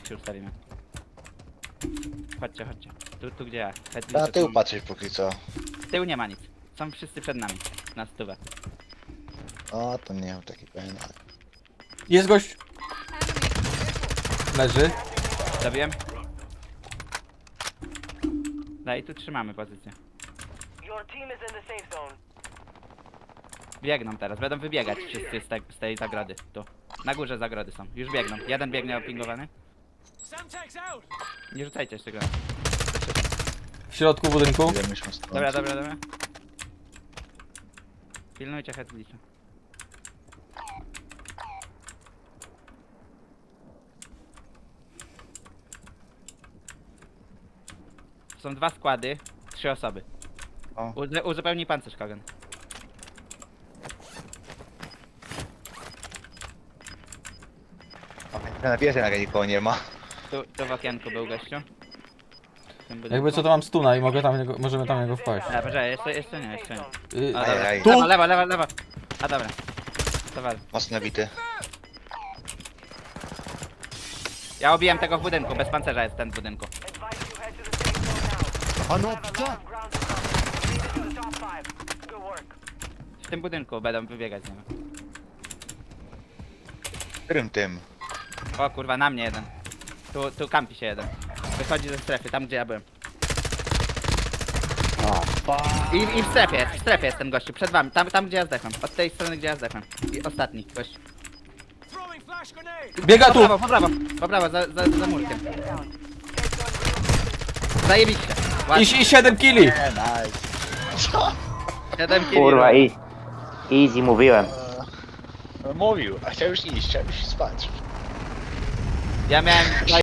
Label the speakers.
Speaker 1: się ustawimy. Chodźcie, chodźcie. Tu gdzie ja.
Speaker 2: Na tył patrzeć póki co.
Speaker 1: Z tyłu nie ma nic. Są wszyscy przed nami. Na stówę.
Speaker 2: O, to nie mam taki pewien.
Speaker 3: Jest gość. Leży.
Speaker 1: Zabiłem. No i tu trzymamy pozycję.
Speaker 4: Your team is in the safe zone.
Speaker 1: Biegną teraz, będą wybiegać wszyscy z tej zagrody. Tu. Na górze zagrody są. Już biegną. Jeden biegnie opingowany. Nie rzucajcie jeszcze go.
Speaker 3: W środku budynku.
Speaker 2: Ile myśmy stąd?
Speaker 1: Dobra, dobra, dobra. Pilnujcie headlisza. Są 2 składy, 3 osoby.
Speaker 2: O.
Speaker 1: Uzupełnij pancerz, Kogan.
Speaker 2: Na wieży na nikogo nie ma.
Speaker 1: Tu w okienku był gościu. W tym budynku.
Speaker 3: Jakby co to mam stuna i mogę tam możemy tam niego wpaść.
Speaker 1: A, poczekaj, jeszcze nie, jeszcze nie.
Speaker 3: Y,
Speaker 1: A, dobra.
Speaker 2: Ajaj.
Speaker 3: Tu!
Speaker 1: Lewo. A dobra. To wal.
Speaker 2: Mocno nabity.
Speaker 1: Ja obiłem tego w budynku, bez pancerza jest ten w budynku.
Speaker 4: Advise you head to the safe zone now.
Speaker 5: A no, pta!
Speaker 4: Ground control. Made it to the top 5. Good work.
Speaker 1: W tym budynku będą wybiegać z niego.
Speaker 2: Którym tym?
Speaker 1: O kurwa, na mnie jeden. Tu kampi się jeden. Wychodzi ze strefy, tam gdzie ja byłem. I w strefie jest ten gościu, przed wami, tam gdzie ja zdechłem. Od tej strony gdzie ja zdechłem. I ostatni gość.
Speaker 3: Biega tu!
Speaker 1: Po prawo, za murkiem. Zajebiście.
Speaker 3: I 7 killi!
Speaker 2: Nice. Co?
Speaker 1: 7 killi.
Speaker 6: Kurwa, easy mówiłem.
Speaker 2: Mówił, a chciał już iść, chciał już spać.
Speaker 1: Ja miałem